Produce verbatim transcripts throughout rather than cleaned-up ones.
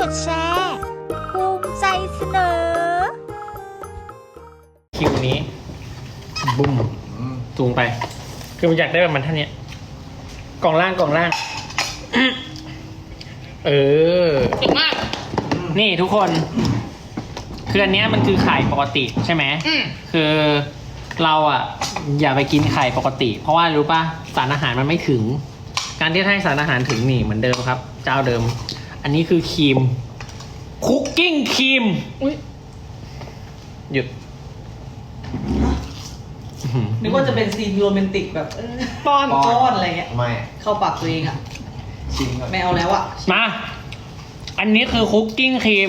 ดแชร์ภูมิใจเสนอคิวนี้บุ้มจูงไปคือมันอยากได้แบบมันท่านเนี้ยกล่องล่างกล่องล่างเออเก่งมากนี่ทุกคนคืออันเนี้ยมันคือไข่ปกติใช่ไหมคือเราอ่ะอย่าไปกินไข่ปกติเพราะว่ารู้ป่ะสารอาหารมันไม่ถึงการที่ให้สารอาหารถึงนี่เหมือนเดิมครับเจ้าเดิมอันนี้คือครีมคุกกิ้งครีมหยุดนึกว่าจะเป็นซีนโรแมนติกแบบป้อนป้อนอะไรเงี้ยไม่เข้าปากตัวเองอ่ะชิมก่อนไม่เอาแล้วอ่ะมาอันนี้คือคุกกิ้งครีม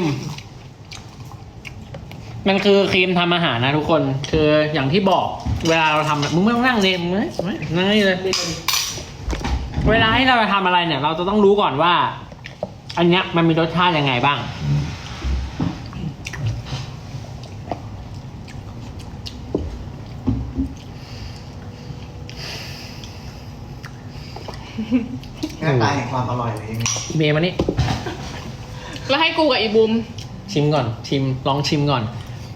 มันคือครีมทำอาหารนะทุกคนคืออย่างที่บอกเวลาเราทำมึงไม่ต้องนั่งเลยมึงไม่นั่งนี่เลยเวลาให้เราทำอะไรเนี่ยเราจะต้องรู้ก่อนว่าอันเนี้ยมันมีรสชาติยังไงบ้างหน้าตาแห่งความอร่อยเลยเมย์มานี่แล้วให้กูกับอีบุมชิมก่อนชิมลองชิมก่อน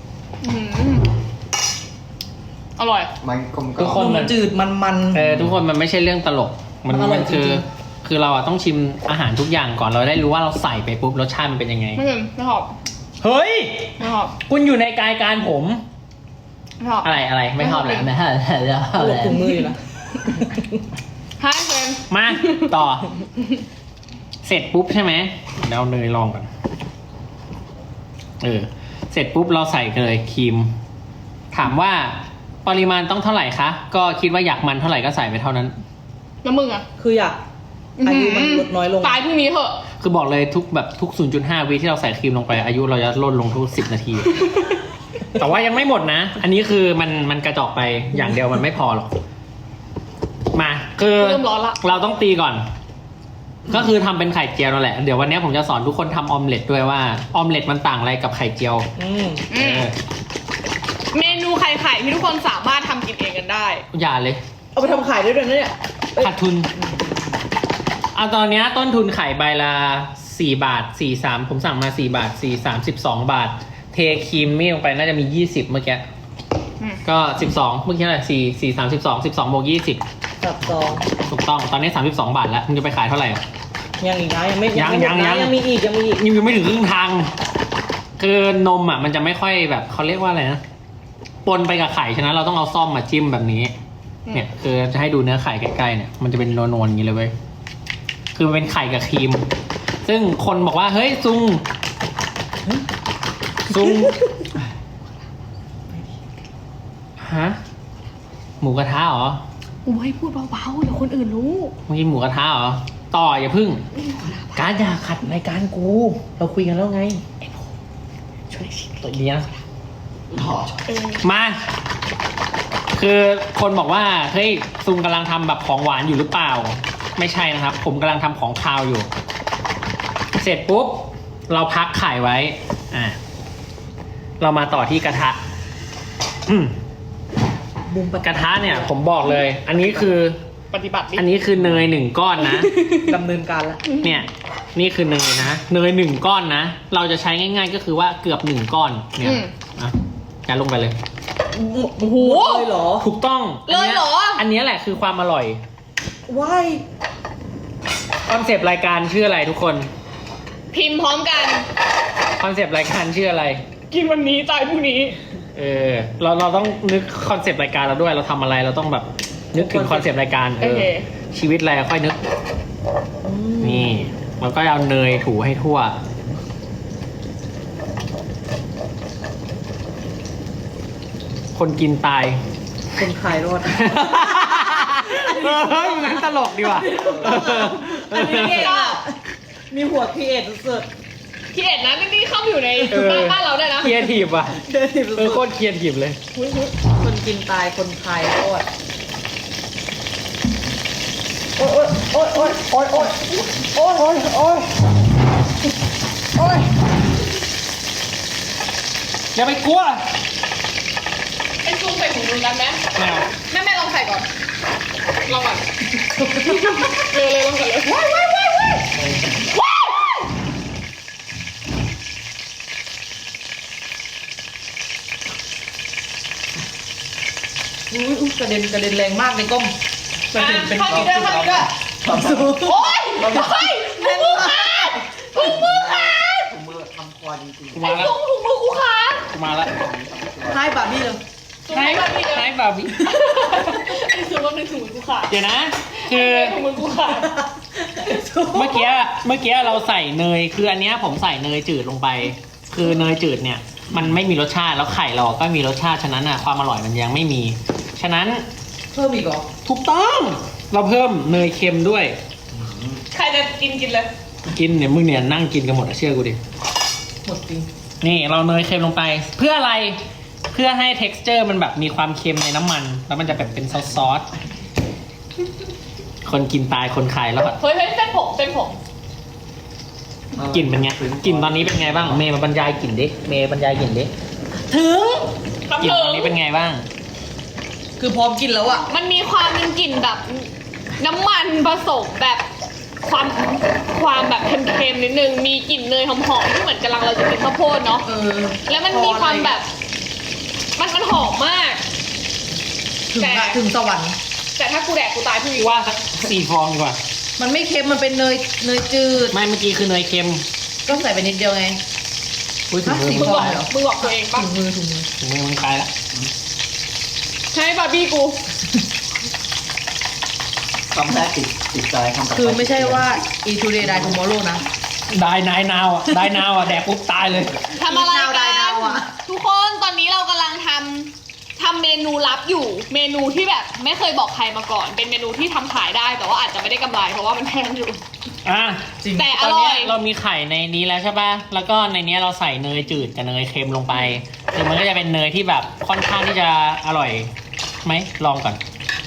อร่อยมันกลมกล่อมทุกคนมันจืดมันมันเออทุกคนมันไม่ใช่เรื่องตลกมันมันคือคือเราอะต้องชิมอาหารทุกอย่างก่อนเราได้รู้ว่าเราใส่ไปปุ๊บรสชาติมันเป็นยังไงไม่เป็นไม่หอบเฮ้ยไม่หอบคุณอยู่ในกายการผมไม่หอบอะไรอะไรไม่หอบเลยไม่หอบแล้วหลบถุงมืออยู่นะให้เฟรนมาต่อเสร็จปุ๊บใช่ไหมเดี๋ยวเนยลองก่อนเออเสร็จปุ๊บเราใส่เลยครีมถามว่าปริมาณต้องเท่าไหร่คะก็คิดว่าอยากมันเท่าไหร่ก็ใส่ไปเท่านั้นแล้วมึงอ่ะคืออยากอายุมันลดน้อยลงตายพรุ่งนี้เถอะคือบอกเลยทุกแบบทุก ศูนย์จุดห้า วิที่เราใส่ครีมลงไปอายุเราจะลดลงทุกสิบนาที แต่ว่ายังไม่หมดนะอันนี้คือมันมันกระจอกไปอย่างเดียวมันไม่พอหรอกมาคือเราต้องตีก่อนก็คือทำเป็นไข่เจียวนั่นแหละเดี๋ยววันนี้ผมจะสอนทุกคนทำออมเล็ตด้วยว่าออมเล็ตมันต่างอะไรกับไข่เจียวเมนูไข่ไข่ที่ทุกคนสามารถทำกินเองกันได้อย่าเลยเอาไปทำไข่ได้ด้วยนะเนี่ยขาดทุนเอาตอนนี้ต้นทุนไข่ใบละสี่บาทสี่สามผมสั่งมาสี่บาทสี่สามสิบสองบาทเทครีมมี่ลงไปน่าจะมียี่สิบเมื่อกี้ก็สิบสองเมื่อกี้อะไรสี่สี่สามสิบสองสิบสองบวกยี่สิบสับสองถูกต้องตอนนี้สามสิบสองบาทแล้วมึงจะไปขายเท่าไหร่ยังอีกนะยังไม่ยังยังยังยังมีอีกยังมีอีกยังไม่ถึงครึ่งทางคือนมอ่ะมันจะไม่ค่อยแบบเขาเรียกว่าอะไรนะปนไปกับไข่ฉะนั้นเราต้องเอาซ่อมมาจิ้มแบบนี้เนี่ยคือจะให้ดูเนื้อไข่ใกล้ๆเนี่ยมันจะเป็นนวลๆอย่างนี้เลยเว้ยคือมันเป็นไข่กับครีมซึ่งคนบอกว่าเฮ้ยซุงซุงฮะหมูกระทะเหรอโอ้ยพูดเบาๆเดี๋ยวคนอื่นรู้เมื่อกี้หมูกระทะเหรอต่ออย่าพึ่งการอย่าขัดรายการกูเราคุยกันแล้วไงช่วยตัวนี้นะมาคือคนบอกว่าเฮ้ยซุงกำลังทำแบบของหวานอยู่หรือเปล่าไม่ใช่นะครับผมกำลังทำของคาวอยู่เสร็จปุ๊บเราพักไข่ไว้อ่าเรามาต่อที่กระทะอืมบุ้มกระทะเนี่ยผมบอกเลยอันนี้คือปฏิบัติอันนี้คือเนยหนึ่งก้อนนะดำเนินการแล้วเนี่ยนี่คือเนยนะเนยหนึ่งก้อนนะเราจะใช้ง่ายๆก็คือว่าเกือบหนึ่งก้อนเนี่ยอ่ะยัดลงไปเลยโอ้โหเลยเหรอถูกต้องเลยเหรออันนี้แหละคือความอร่อยว้ายคอนเซปต์รายการชื่ออะไรทุกคนพิมพ์พร้อมกันคอนเซปต์รายการชื่ออะไรกินวันนี้ตายพรุ่งนี้เออเราเราต้องนึกคอนเซปต์รายการเราด้วยเราทำอะไรเราต้องแบบนึกถึงคอนเซปต์รายการเออชีวิตอะไรค่อยนึกนี่เราก็เอาเนยถูให้ทั่วคนกินตายคนขายรอดเฮ้ยงั้นตลกดีว่ะอันนี้ก็มีหัวพีเอ็ดสุดพีเอ็ดนะนี่เข้าอยู่ในบ้านบ้านเราได้นะเคียร์ทีฟว่ะเออโคตรเคียร์ทีฟเลยคนกินตายคนขายรอดโอ๊ยโอ๊ยโอ๊ยโอ๊ยโอ๊ยโอ๊ยโอ๊ยโอ๊ยโอ๊ยอย่าไปกลัวไอ้ซุงใส่ถุงมือกันไหมแม่แม่แม่ลองใส่ก่อนลองก่อนเลยเลยลองก่อนเลยว้ายว้ายว้ายว้ายอุ้ยอุ้ยกระเด็นกระเด็นแรงมากในกล้องมันเป็นเป็นข้างนี้ด้วยข้างนี้ด้วยความสุขโอ๊ยเฮ้ยถุงมือขาดถุงมือขาดผมมือทำครัวจริงกูไอ้มาแล้วถุงถุงมือกูขาดกูมาแล้วให้บาร์บี้เลยถุงมือขาดพี่เดียวให้บาร์บี้ไอ้ถุงมือถุงมือกูขาดเดี๋ยวนะ คือถุงมือกูขาดเมื่อกี้เมื่อกี้เราใส่เนยคืออันเนี้ยผมใส่เนยจืดลงไป คือเนยจืดเนี่ยมันไม่มีรสชาติแล้วไข่เราก็มีรสชาติฉะนั้นอ่ะความอร่อยมันยังไม่มี ฉะนั้นเพิ่มอีกเหรอถูกต้องเราเพิ่มเนยเค็มด้วยใครจะกินกินเลยกินเนี่ยมึงเนี่ยนั่งกินกันหมดอะเชื่อกูดิหมดจริงนี่เราเนยเค็มลงไป เพื่ออะไรเพื่อให้ texture มันแบบมีความเค็มในน้ำมัน แล้วมันจะแบบเป็นซอสซอสคนกินตายคนขายแล้วอะเฮ้ยเฮ้ยเส้นผมเส้นผมๆกลิ่นเป็นไงกลิ่นตอนนี้เป็นไงบ้างเมย์มาบรรยายกลิ่นดิเมย์บรรยายกลิ่นดิถึงกลิ่นตอนนี้เป็นไงบ้างคือพร้อมกินแล้วอ่ะมันมีความเป็นกลิ่นแบบน้ำมันผสมแบบความความแบบเค็มๆนิดนึง มีกลิ่นเนยหอมๆที่เหมือนกำลังเราจะกินข้าวโพดเนาะเออแล้วมันมีความแบบ มันมันหอมมากถึงอะถึงสวรรค์แต่ถ้ากูแดกกูตายพี่วิว่าสักสี่ฟองดีกว่ามันไม่เค็มมันเป็นเนยเนยจืดไม่เมื่อกี้คือเนยเค็มก็ใส่ไปนิดเดียวไงอุ้ยถึงมือสี่มึมึงงบอกตายแล้วมึงบอกตัวเองปะถุงมือถุงมือถึงมือมึงตายแล้วใช่บาร์บี้กูคำแรกติดติดใจคำต่อปคือไม่ใช่ว่า e today die tomorrow นะได้นายนาวอ่ะได้นาวอ่ะแดกปุ๊บตายเลยทำอะไรดาวกัดาวน ดาวอะทุกคนตอนนี้เรากำลังทำทำเมนูลับอยู่ เมนูที่แบบไม่เคยบอกใครมาก่อน เป็นเมนูที่ทำขายได้แต่ว่าอาจจะไม่ได้กำไรเพราะว่ามันแพงอยู่อ่ะจริงแต่ตออนร่เนี้อย ยเรามีไข่ในนี้แล้วใช่ป่ะ แล้วก็ในเนี้ยเราใส่เนยจืดกับเนยเค็มลงไปคือมันก็จะเป็นเนยที่แบบค่อนข้างที่จะอร่อยไหมลองก่อน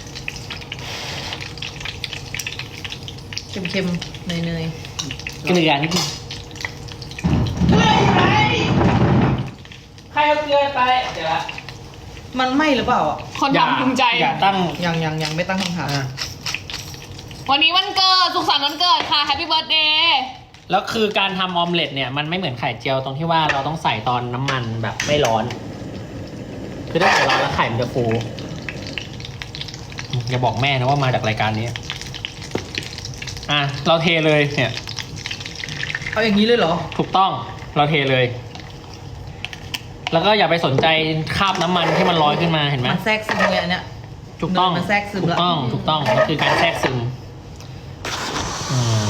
เค็มๆเนยเนยเกลือนิดนึงเกลืออยู่ไหนใครเอาเกลือไปเดี๋ยวละๆมันไหม้หรือเปล่าอ่ะคนทำภูมิใจอย่าตั้งยังยังยังไม่ตั้งคำถามอ่ะวันนี้วันเกิดสุขสันต์วันเกิดค่ะแฮปปี้เบิร์ดเดย์แล้วคือการทำออมเล็ตเนี่ยมันไม่เหมือนไข่เจียวตรงที่ว่าเราต้องใส่ตอนน้ำมันแบบไม่ร้อน คือถ้าใส่ร้อนแล้วไข่มันจะฟูอย่าบอกแม่นะว่ามาจากรายการนี้ อ่ะเราเทเลยเนี่ยเอาอย่างนี้เลยเหรอถูกต้องเราเทเลย แล้วก็อย่าไปสนใจคราบน้ำมันที่มันลอยขึ้นมาเห็นไหมมันแทรกซึมเลยอันเนี้ยถูกต้องมันแทรกซึมถูละกต้องถูกต้องมันคือการแทรกซึมอืม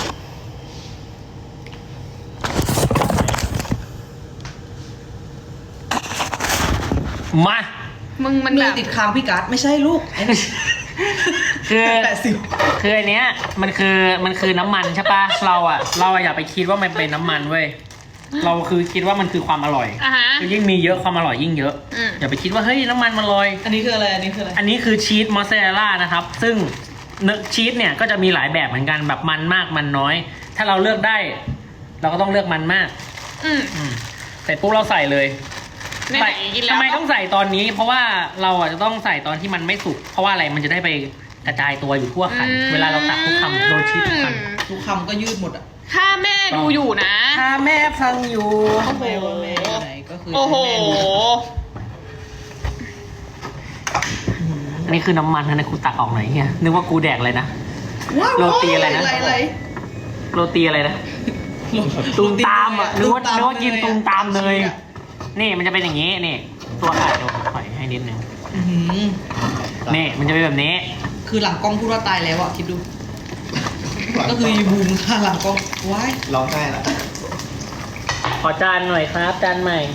มามึงมันมืแบอบ ติดค้างพี่การ์ดไม่ใช่ลูกไอ้นี่คือแปดสิบคืออันเนี้ยมันคือมันคือน้ำมันใช่ปะเราอะเราอะอย่าไปคิดว่ามันเป็นน้ำมันเว้ยเราคือคิดว่ามันคือความอร่อยอ่ะฮะคือยิ่งมีเยอะความอร่อยยิ่งเยอะอืมอย่าไปคิดว่าเฮ้ยน้ำมันมันลอยอันนี้คืออะไรอันนี้คืออะไรอันนี้คือชีสมอสซาเรลล่านะครับ ซึ่งเนื้อชีสเนี่ยก็จะมีหลายแบบเหมือนกันแบบมันมากมันน้อย ถ้าเราเลือกได้ เราก็ต้องเลือกมันมากอืมอืมเสร็จปุ๊บเราใส่เลยไหนใส่ๆกินแล้วทำไมต้องใส่ตอนนี้ เพราะว่าเราอ่ะจะต้องใส่ตอนที่มันไม่สุกเพราะว่าอะไรมันจะได้ไปกระจายตัวอยู่ทั่วไข่เวลาเราตักทุกคำโดนชีสทุกคำทุกคำก็ยืดหมดอ่ะถ้าแม่ดูอยู่นะถ้าแม่ฟังอยู่แม่ว่าแม่อยู่ไหนก็คือโอ้โหแม่รู้อันนี้คือน้ำมันนะกูตักออกหน่อยเฮียนึกว่ากูแดกเลยนะว้าวโรตีอะไรนะอะไรอะไรโรตีอะไรนะ ตูมตามอ่ะนึกว่านึกว่ากินตูมตามเลย นี่มันจะเป็นอย่างนี้นี่ตัวไข่เดี๋ยวถอยให้นิดนึงอื้อหือนี่มันจะเป็นแบบนี้คือหลังกล้องพูดว่าตายแล้วอ่ะคิดดู ก็คือบูมค่ะหลังกล้องว้ายร้องไห้ละขอจานหน่อยครับจานใหม่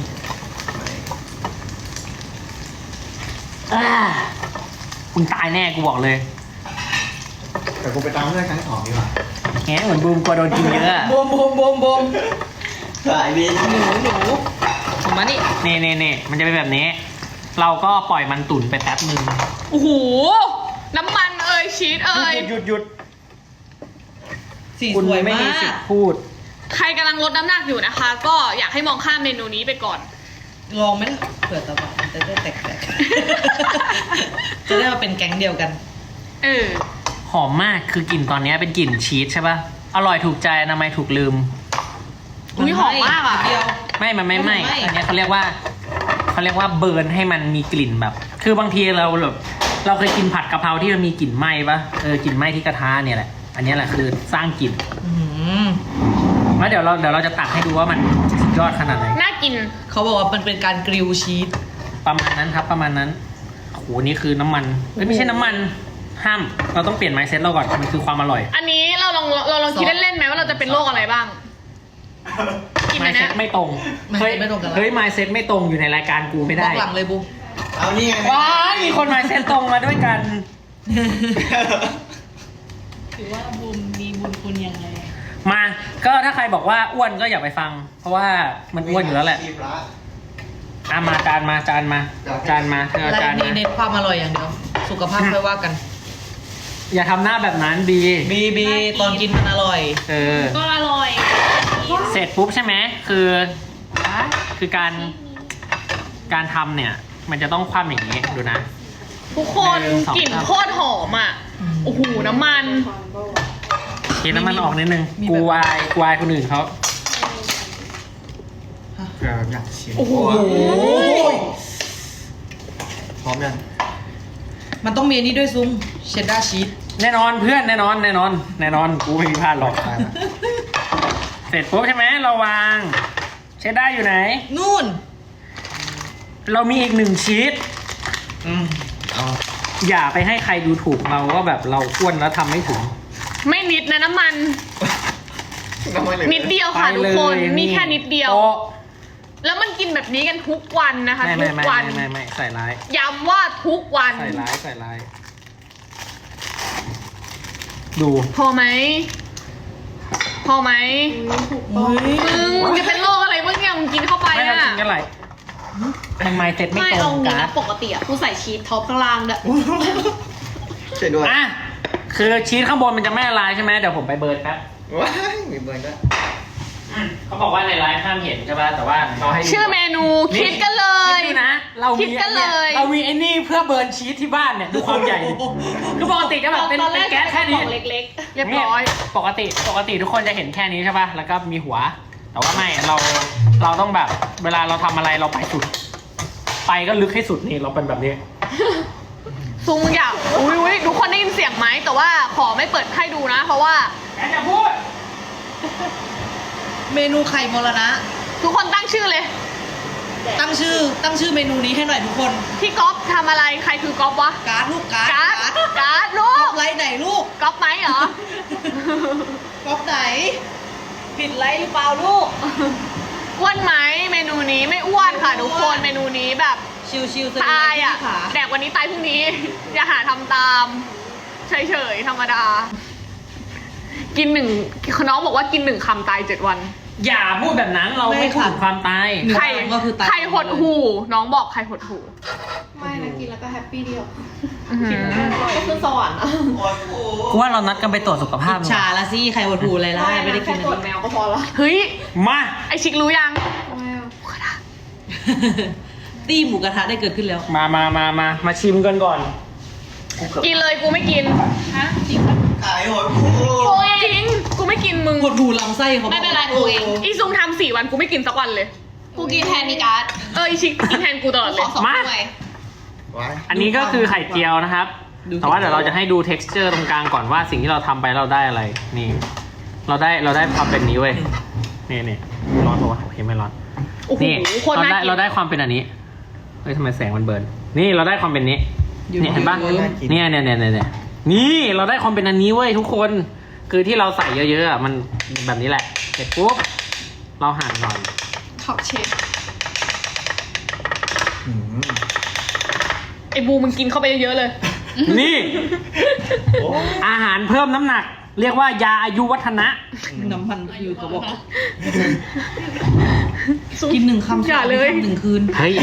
อ่าคุณตายแน่กูบอกเลยแต่กูไปตามเรื่องครั้งสองดีกว่าแหมเหมือนบูมกลัวโดนกินเยอะอะโบมโบมโบมโบมสายบินหนูหนูผมมานี่นี่นี่นี่มันจะเป็นแบบนี้ เราก็ปล่อยมันตุ๋นไปแป๊บนึงโอ้โห น้ำมันเอ่ยชีสเอ่ยหยุดหยุดสีคุณสวยไม่มามีสิทกธิ์พูดใครกำลังลดน้ำหนักอยู่นะคะ ก็อยากให้มองข้ามเมนูนี้ไปก่อนลองไหมล่ะเผื่อตะวันจะได้แตกๆจะได้มาเป็นแก๊งเดียวกันเออหอมมากคือกลิ่นตอนนี้เป็นกลิ่นชีสใช่ป่ะ อร่อยถูกใจอนามัยถูกลืมอุ๊ยหอมมากอะเดียวไม่ มันไม่ไหม้ไม่ไหม้อันนี้เขาเรียกว่าเขาเรียกว่าเบิร์นให้มันมีกลิ่นแบบคือบางทีเราแบบเราเคยกินผัดกะเพราที่มันมีกลิ่นไหม้ปะเออกลิ่นไหม้ที่กระทะเนี่ยแหละอันนี้แหละคือสร้างกลิ่นอืมแล้วเดี๋ยวเราเดี๋ยวเราจะตักให้ดูว่ามันสุดยอดขนาดไหนน่ากินเขาบอกว่ามันเป็นการกริลชีสประมาณนั้นครับประมาณนั้นโอ้โหนี่คือน้ำมันเอ้ยไม่ใช่น้ำมันห้ามเราต้องเปลี่ยนไมซ์เซ็ตเราก่อนมันคือความอร่อยอันนี้เราลองเราลองคิดเล่นๆไหมว่าเราจะเป็นโรคอะไรบ้าง กินไมอันซ์เนี้เซ็ยตไม่ตรง mindset เฮ้ยไม่ตรงกันละเฮ้ยไมซ์เซ็ตไม่ตรงอยู่ในรายการกูไม่บได้อกหลังเลยบูเอานี่ไงว้ายมีคนไมซ์เซ็ตตรงมาด้วยกันถือว่าบุญมีบุญคุณยังไงมาก็ถ้าใครบอกว่าอ้วนก็อย่าไปฟัง เพราะว่ามันอ้วนอยู่แล้วแหละชีพละอ่ะมาจานมาจานมาจานมาเธอเอาและจานนี่มาเน้นความอร่อยอย่างเดียว สุขภาพค่อยว่ากันอย่าทำหน้าแบบนั้นบีบีบีตอนกินมันอร่อยเออก็อร่อยเสร็จปุ๊บใช่ไหมคือคือการการทำเนี่ย มันจะต้องคว่ำอย่างนี้ดูนะทุกคนหนึ่งสองกลิ่นสามโคตรหอมอ่ะ โอ้โหน้ำมันเทน้ำมันออกนิดนึงมีแบบกูวายกูวายคนอื่นเขาเกิดอยากชิมโอ้โหพร้อมยังมันต้องมีอันนี้ด้วยซุ้มเชดดาร์ชีสแน่นอนเพื่อนแน่นอนแน่นอน แน่นอนกูไม่มีพลาดหรอกได้ละเสร็จปุ๊บใช่ไหมเราวางเชดด้าอยู่ไหนนู่นเรามีอีกหนึ่งชีสอืมเอาอย่าไปให้ใครดูถูกเราว่าแบบเราอ้วนแล้วทำไม่ถึงไม่นิดนะน้ำมันทำไมเลยนิดเดียวค่ะไปทุกเลยคนมีแค่นิดเดียวโต๊ะแล้วมันกินแบบนี้กันทุกวันนะคะไม่ทุไม่กไม่วันไม่ไม่ไม่ใส่ร้ายย้ำว่าทุกวันใส่ร้ายใส่ร้ายดูพอไหม พอไหมเฮ้ยมึงจะเป็นโรคอะไรบ้างเนี่ยมึงกินเข้าไปไม่เราอ่ะกินกันไรมันไมเซ็ตไม่ไม่ตรเอางงี้กันะนปกติอ่ะกูใส่ชีสท็อปข้างล่างด้วยช่วยด้วยอ่ะคือชีสข้างบนมันจะไม่ละลายใช่ไหมเดี๋ยวผมไปเบิร์นแป๊บว้ายมีเบิร์นด้วยเขาบอกว่าในไลฟ์ห้ามเห็นใช่ป่ะแต่ว่าเราให้ดูชื่อเมนูคิดกันเลยคิดดูนะ เราคิมีดกันเลยเรามีไอ้นี่เพื่อเบิร์นชีสที่บ้านเนี่ยดูความใหญ่ดิคือปกติจะแบบเป็นตอนแรเป็นกแก๊สแค่นี้ของเล็กเรียบร้อยปกติปกติทุกคนจะเห็นแค่นี้ใช่ป่ะแล้วก็มีหัว แต่ว่าไม่เราเราต้องแบบ เวลาเราทำอะไรเราไปสุด ไปก็ลึกให้สุดนี่เราเป็นแบบนี้ซุงอยากอุ้ยอุ้ยทุกคนได้ยินเสียงไหมแต่ว่าขอไม่เปิดให้ดูนะ เพราะว่าแกจะพูดเมนูไข่มรณะทุกคนตั้งชื่อเลยตั้งชื่อ ตั้งชื่อเมนูนี้ให้หน่อยทุกคนพี่ก๊อฟทำอะไรใครคือก๊อฟวะการ์ดลูกการ์ดการ์ดการ์ดลูก๊อก ปไลท์ไหนลูกก๊อฟไหมเหรอก๊อปไหน ผิดไลท์หรือเปล่าลูกอ้วนไหมเมนูนี้ไม่อ้วนค่ะทุกคนเมนูนี้แบบชิวๆสตายอ่ะขาแดกวันนี้ตายพรุ่งนี้ อย่าหาทำตาม เฉยๆธรรมดา กินหนึ่งน้องบอกว่ากินหนึ่งคำตายเจ็ดวันอย่าพูดแบบนั้นเราไม่พูดถึงความตายหนึ่งใครคำก็คือตายใครหดหูน้องบอกใครหดหูๆ ไม่นะกินแล้วก็แฮปปี้เดียวอื้อหือก็คือสวรรค์อะกูว่าเรานัดกันไปตรวจสุขภาพชาละสิใครหดหูอะไรล่ะไม่ได้กินแค่ตรวจแมวก็พอละเฮ้ยมาไอชิครู้ยังแมวตีหมูกระทะได้เกิดขึ้นแล้วมามามามามาชิมกันก่อนกินเลยกูไม่กินฮะจริงปะขายหอยกูจริง กูไม่กินมึงหดหูลำไส้เขาบอกไม่เป็นไรกูเองอีซุงทำสี่วันกูไม่กินสักวันเลยกูกินแทนมีการ์ดเอออีชิคกินแทนกูตลอดขเลยอสองมาถ้วยว้ายอันนี้ก็คือไข่เจียวนะครับ แต่ว่าเดี๋ยวเราจะให้ดู texture ตรงกลางก่อนว่าสิ่งที่เราทำไปเราได้อะไร นี่ เราได้เราได้ความเป็นนี้เว้ย นี่นี่ร้อนปะวะโอเคไม่ร้อนโอ้โหนี่โคตรเราน่าได้กินเราได้ความเป็นอันนี้ เฮ้ยทำไมแสงมันเบิร์น นี่เราได้ความเป็นนี้ นี่เห็นปะเนี่ยเนี่ยเนี่ยเนี่ยเนี่ยนี่เราได้ความเป็นอันนี้เว้ยทุกคน คือที่เราใส่เยอะๆอ่ะมันแบบนี้แหละ เสร็จปุ๊บ เราหั่นหน่อยท็อปเชฟอืมไอบูมึงกินเข้าไปเยอะๆเลยนี่โอ้อาหารเพิ่มน้ำหนัก เรียกว่ายาอายุวัฒนะน้ำมันคือเขาบอก กินหนึ่งคำอย่าเลยคำหนึ่งคืนเฮ้ย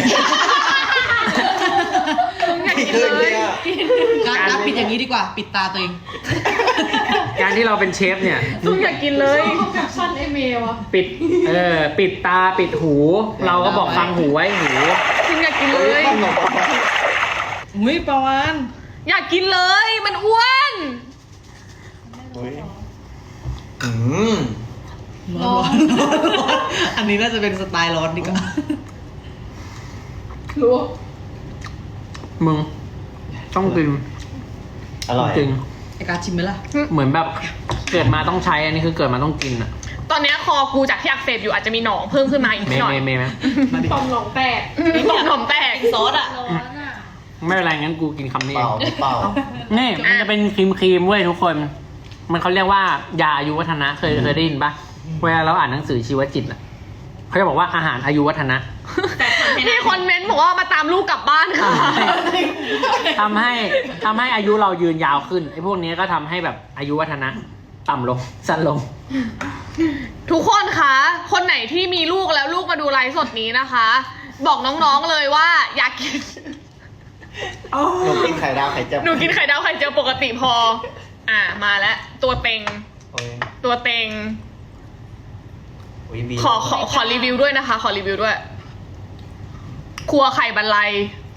ซุงอยากกินขึ้นเลเนี่ย ยการการปิดอย่างนี้ดีกว่า ปิดตาตัวเองการที่เราเป็นเชฟเนี่ยซุงอยากกินเลยแคปชั่นไอเมลอะปิด เออ ปิดตา ปิดหู เราก็บอกฟังหูไว้หูซุงอยากกินเลยอุ้ยประมาณอยากกินเลย มันอ้วนอุ๊ยอืมร้อนอันนี้น่าจะเป็นสไตล์ร้อนดีกว่ารู้มึงต้องกินอร่อยจริงไอการชิมไหมล่ะเหมือนแบบเกิดมาต้องใช้อันนี้คือเกิดมาต้องกินอ่ะตอนเนี้ยคอกูจากที่อักเสบอยู่อาจจะมีหนองเพิ่มขึ้นมาอีกเมนิดย์หน่อยเมย์เมย์ไหมตอมหนองแตกต่อมหนองแตกซอสอ่ะร้อนอ่ะไม่เป็นไรงั้นกูกินคำนี้เปเอล่าง ไม่เปล่านี่มันจะเป็นครีมครีมๆเว้ยทุกคน มันเขาเรียกว่ายาอายุวัฒนะเคยเคยได้ยินปะเวลาเราอ่านหนังสือชีวจิตอ่ะเขาจะบอกว่าอาหารอายุวัฒนะมีคนเม้นต์บอกว่ามาตามลูกกลับบ้านค่ะทำให้ทำให้อายุเรายืนยาวขึ้นไอ้พวกนี้ก็ทำให้แบบอายุวัฒนะ ต่ำลงสั้นลงทุกคนคะคนไหนที่มีลูกแล้วลูกมาดูไลฟ์สดนี้นะคะ บอกน้องๆเลยว่าอยากกินหนูกินไข่ดาวไข่เจียวหนูกินไข่ดาวไข่เจียวปกติพอ อ่ามาแล้วตัวเต็งโอ้ยตัวเต็งโอ้ยบีขอขอขอรีวิวด้วยนะคะ ขอรีวิวด้วย ครัวไข่บรรลัย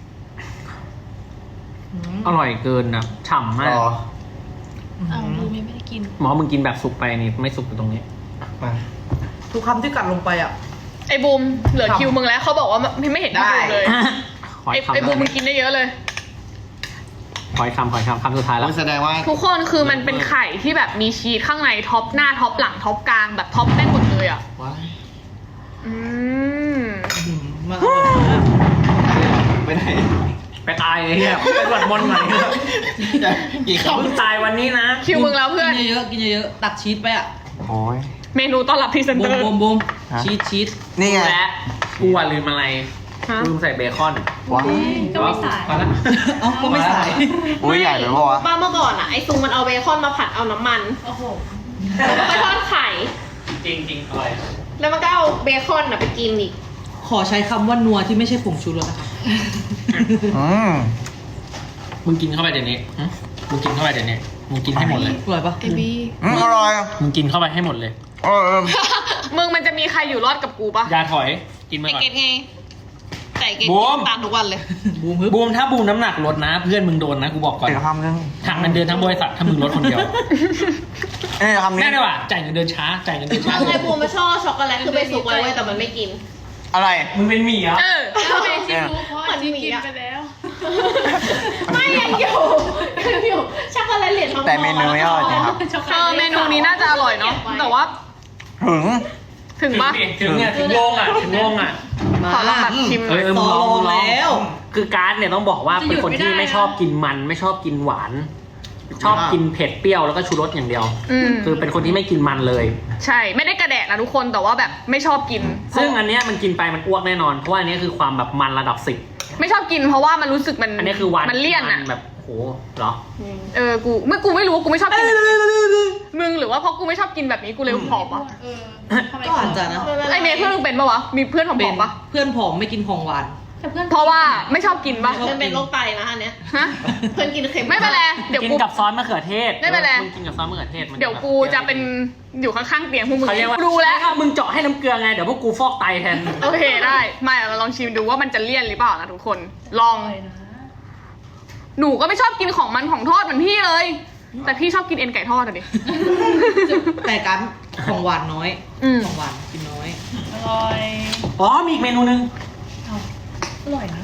อร่อยเกินนะฉ่ำมากรออ้าวดูไม่ได้กินหมอมึงกินแบบสุกไปนี่ไม่สุกอยู่ตรงนี้มาทุกคำที่กัดลงไปอ่ะไอ้บูมเหลือคิวมึงแล้วเขาบอกว่าไม่ไม่เห็นที่บูมเลยขอไอ้อีกคำไอ้บูมมึงกินได้เยอะเลยขออีกคำขออีกคำคำสุดท้ายแล้วโอ้ยแสดงว่าทุกคนคือมันเป็นไข่ที่แบบมีชีสข้างในท็อปหน้าท็อปหลังท็อปกลางแบบท็อปได้หมดเลยอ่ะว้ายอืมมาอร่อยมากไปไหนไปตายเลยเนี่ยไปสวดมนต์หน่อยกี่คมึงตายวันนี้นะคิวมึงแล้วเพื่อนกินเยอะๆกินเยอะๆตักชีสไปอ่ะำโอ้ยเมนูต้อนรับพรีเซนบูเตอมร์บูมบูมฮะชีสชีสนี่ไงและกูอะลืมอะไรฮะลืมใส่เบคอนว้ายก็ไม่สายพอละเอ้าก็ไม่ใส่โอ้ยใหญ่ไปปะวะป้าเมื่อก่อนอ่ะไอซุงมันเอาเบคอนมาผัดเอาน้ำมันโอ้โหแล้วมันก็ทอดไข่จริงจริงอร่อยแล้วมันก็เอาเบคอนอ่ะไปกินอีกขอใช้คำว่านัวที่ไม่ใช่ผงชูรสนะคะอืมมึงกินเข้าไปเดี๋ยวนี้หึมึงกินเข้าไปเดี๋ยวนี้มึงกินให้หมดเลยอร่อยปะเอบีอืมอร่อยมึงกินเข้าไปให้หมดเลยเออมึงมันจะมีใครอยู่รอดกับกูปะอย่าถอยกินไปไอก่อนเกดไงแต่ไอเกดบูมกินตามทุกวันเลยบูมฮึบบูมถ้าบูมน้ำหนักลดนะ เพื่อนมึงโดนนะกูบอกก่อนเดี๋ยวคำนึงหักเงินเดือนทั้งบริษัทถ้ามึงลดคนเดียวเอ้ยคำนี้แน่เลยว่ะจ่ายเงินเดือนช้าจ่ายเงินเดือนช้าไอบูมมาชอบช็อกโกแลตคือไปสุกไว้เว้ยแต่มันไม่กินอะไรมึงเป็นหมีเหรอเออแล้วเป็นเนี่ยเพราะเหมือนหมีกินอะไปแล้วไม่ยังอยู่ยังอยู่ช็อกโกแลตเหรียญทองแต่เมนูไม่อร่อยจริงครับเออเมนูนี้น่าจะอร่อยเนาะแต่ว่าถึงถึงปะถึงเนี่ยถึงโลงอ่ะถึงโลงอ่ะมาขอลองแบบชิมหน่อยเออต่อรองแล้วคือการ์ดเนี่ยต้องบอกว่าเป็นคนที่ไม่ชอบกินมัน ไม่ชอบกินหวาน ชอบกินเผ็ดเปรี้ยวแล้วก็ชูรสอย่างเดียวอืมคือเป็นคนที่ไม่กินมันเลยใช่ไม่ได้กระแดะนะทุกคนแต่ว่าแบบไม่ชอบกินซึ่งอันเนี้ยมันกินไปมันอ้วกแน่นอนเพราะว่าอันเนี้ยคือความแบบมันระดับสิบไม่ชอบกินเพราะว่ามันรู้สึกมันอันนี้คือหวานมันเลี่ยนอ่ะมัแบบโหเหรอเออกูไม่กูไม่รู้ว่ากูไม่ชอบกินมึงหรือว่าเพราะกูไม่ชอบกินแบบนี้กูเลยผอมปะเออทำไมก็อาจจะนะไอเมย์เพื่อนมึงเป็นปะวะมีเพื่อนผเป็อน มๆปะเพื่อนผอมไม่กินของหวานแต่เพื่อนเพราะว่าไม่ชอบกินปะมันเป็นโรคไตนะอันเนี้ยฮะเพื่อนกินเค็มไม่เป็นไรเดี๋ยวกินกูกับซอสมะเขือเทศไม่เป็นไรมึงกินกับซอสมะเขือเทศมันเดี๋ยวกูจะเป็นอยู่ข้างๆเตียงพวกมึงเขาเรียกว่ารู้แล้วถ้ามึงเจาะให้น้ำเกลือไงเดี๋ยวพวกกูฟอกไตแทนโอเคได้ไม่เราลองชิมดูว่ามันจะเลี่ยนหรือเปล่านะทุกคนลองอร่อยนะหนูก็ไม่ชอบกินของมันของทอดเหมือนพี่เลย แต่พี่ชอบกินเอ็นไก่ทอดอะดิแต่การของหวานน้อยอืมของหวานกินน้อยอร่อยอ๋อมีอีกเมนูนึงเอาอร่อยนะ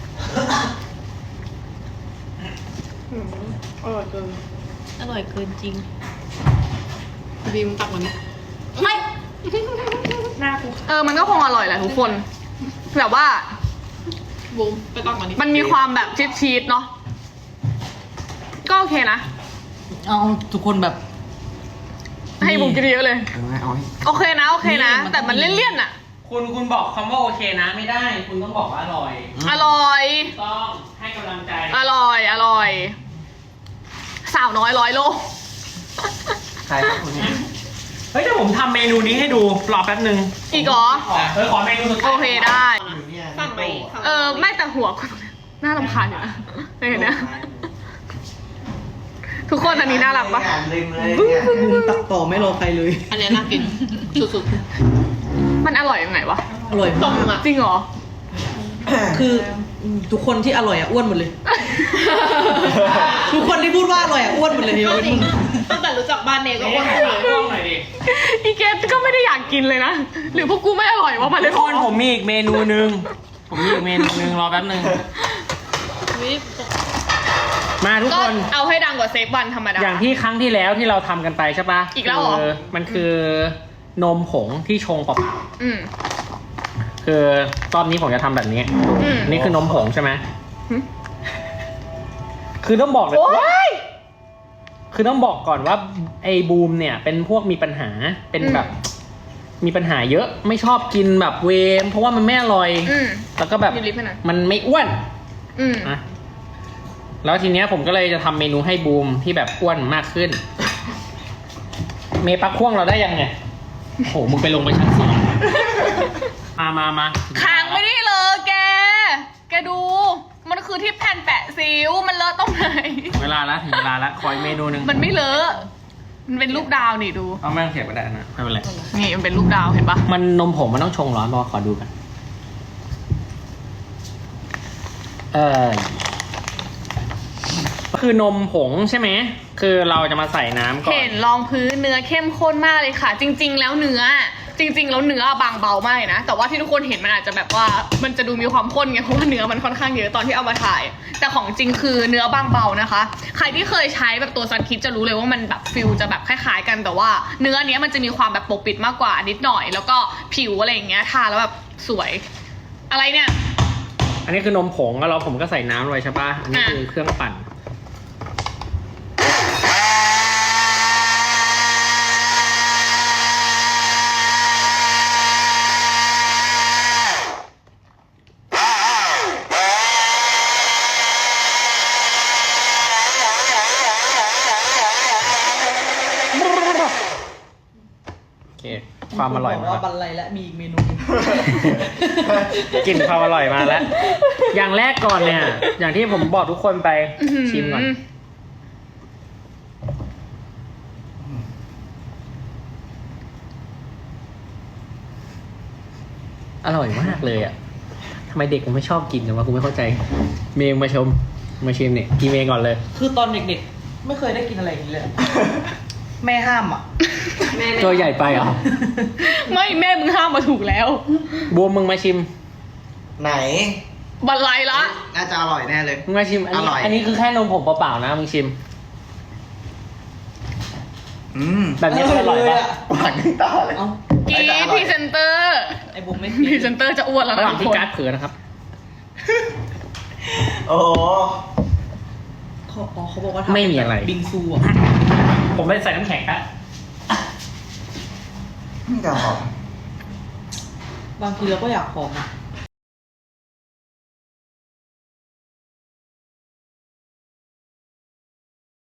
อร่อยเกินอร่อยเกินจริงบีมตักมันนี้ไม่หน้ากูเออมันก็คงอร่อยแหละทุกคนแบบว่าบูมไปตักมันนี้มันมีความแบบชีสชีสเนาะก็โอเคนะเอาทุกคนแบบให้บุมกินเยอะเลยเออเอาให้โอเคนะโอเคนะนี่มันแต่มันเลี่ยนๆอะคุณคุณบอกคำว่าโอเคนะไม่ได้ คุณต้องบอกว่าอร่อยอร่อยต้องให้กำลังใจอร่อยอร่อย สาวน้อยร้อยโลใครครับคนนี้เฮ้ยเดี๋ยวผมทำเมนูนี้ให้ดูรอแป๊บนึงอีกเหรอเออขอเมนูสุดท้ายโอเคได้อยู่เนี่ยสั่งไหมเออไม่แต่หัวกูน่ารำคาญอยู่นะเห็นนะทุกคนอันนี้น่ารักปะงานริมเลยเนี่ยบูมตักต่อไม่รอใครเลยอันเนี้ยน่ากินสุดมันอร่อยยังไงวะอร่อยๆต้มาม กอ่ะจริงเหรอคือทุกคนที่อร่อยอ่ะอ้วนหมดเลย ทุกคนที่พูดว่าอร่อยอ่ะอ้วนหมดเลยยกเอาเว้นจริงมึงตั้งแต่รู้จักบ้านเนยก็เอ๊ะอ้วนให้ขึ้นฝาเลยกกล้องหน่อยดิอีเกสก็ไม่ได้อยากกินเลยนะ หรือพวกกูไม่อร่อยวะมาเลทุยกคนผมมีอีกเมนูนึง ผมมีอีกเมนูนึงรอแป๊บนึงมวิตกมาทุกก็คนเอาให้ดังกว่าเซฟวันธรรมดาอย่างที่ครั้งที่แล้วที่เราทำกันไปใช่ปะอีกแล้วเหรอคืมันคือนมผงที่ชงเปล่าอืมๆคือรอบนี้ผมจะทำแบบนี้อืมนี่คือนมผงใช่ไหมหึคือต้องบอกเลยโอ๊ยคือต้องบอกก่อนว่าไอ้บูมเนี่ยเป็นพวกมีปัญหาเป็นแบบ มีปัญหาเยอะไม่ชอบกินแบบเวมเพราะว่ามันไม่อร่อยอืมแล้วก็แบบมีลิฟต์ให้หน่อยมันไม่อ้วนอืมนะแล้วทีเนี้ยผมก็เลยจะทำเมนูให้บูมที่แบบอ้วนมากขึ้น เมปักพ่วงเราได้ยังไงโอ้โหมึงไปลงไปชั้นสี่มามามาค้างไม่ได้เลยแก แกดู มันคือที่แผ่นแปะซิวมันเลอะตรงไหนเวลาละถึงเวลาละคอยเมนูหนึ่งมันไม่เลอะ มันเป็นรูปดาวนี่ดูเอาแม่งเสียบก็ได้นะไม่เป็นไรนี่มันเป็นรูปดาวเห็นปะมันนมผงมันต้องชงร้อนรอขอดูกันเออคือนมผงใช่ไหมคือเราจะมาใส่น้ำก่อนเห็นรองพื้นเนื้อเข้มข้นมากเลยค่ะ จริง ๆ แล้วเนื้อ จริง ๆ แล้วเนื้อบางเบามากเลยนะ แต่ว่าที่ทุกคนเห็นมันอาจจะแบบว่ามันจะดูมีความข้นไงเพราะว่าเนื้อมันค่อนข้างเยอะตอนที่เอามาถ่าย แต่ของจริงคือเนื้อบางเบานะคะ ใครที่เคยใช้แบบตัวซันคิดจะรู้เลยว่ามันแบบฟิลจะแบบคล้ายๆกันแต่ว่า เนื้อเนี้ยมันจะมีความแบบปกปิดมากกว่านิดหน่อย แล้วก็ผิวอะไรอย่างเงี้ยทาแล้วแบบสวย อะไรเนี่ยอันนี้คือนมผงแล้วเราผมก็ใส่น้ำไว้ใช่ปะอันนี้อ่ะคือเครื่องปั่นโอเคความอร่อยบมาอกว่าแล้วบันไลและมีอีกเมนูหนึ่งกลิ่นความอร่อยมาแล้ว อย่างแรกก่อนเนี่ย อย่างที่ผมบอกทุกคนไปชิมก่อน อร่อยมากเลยอ่ะทำไมเด็กมันไม่ชอบกินกันวะกูไม่เข้าใจ เมย์มาชม มาชิมเนี่ยกินเมย์ก่อนเลยคือตอนเด็กๆ ไม่เคยได้กินอะไรอย่างนี้เลย แม่ห้ามอ่ะตัวใหญ่ไปเหรอไม่แม่มึงห้ามมาถูกแล้วบวมมึงมาชิมไหนบันไลละน่าจะอร่อยแน่เลยมึงมาชิม อันนี้อร่อยอันนี้คือแค่นมผงเปล่าๆนะมึงชิมอืมแบบนี้คืออร่อยปะหวานขึ้นตาเลยเอ้ากีแต่อพร่อยรีเซนเตอร์ไอ้บุ๋มไม่พรีเซนเตอร์จะอ้วนแล้วระหนะว่างทุกที่คนการ์ดเผือนะครับโอ้โหเขาอ๋อเขาบอกว่าทำไม่มีอะไรบิงซูอ่ะผมไปใส่น้ำแข็งครับนี่แต่หอมบางทีเราก็อยากหอมอ่ะ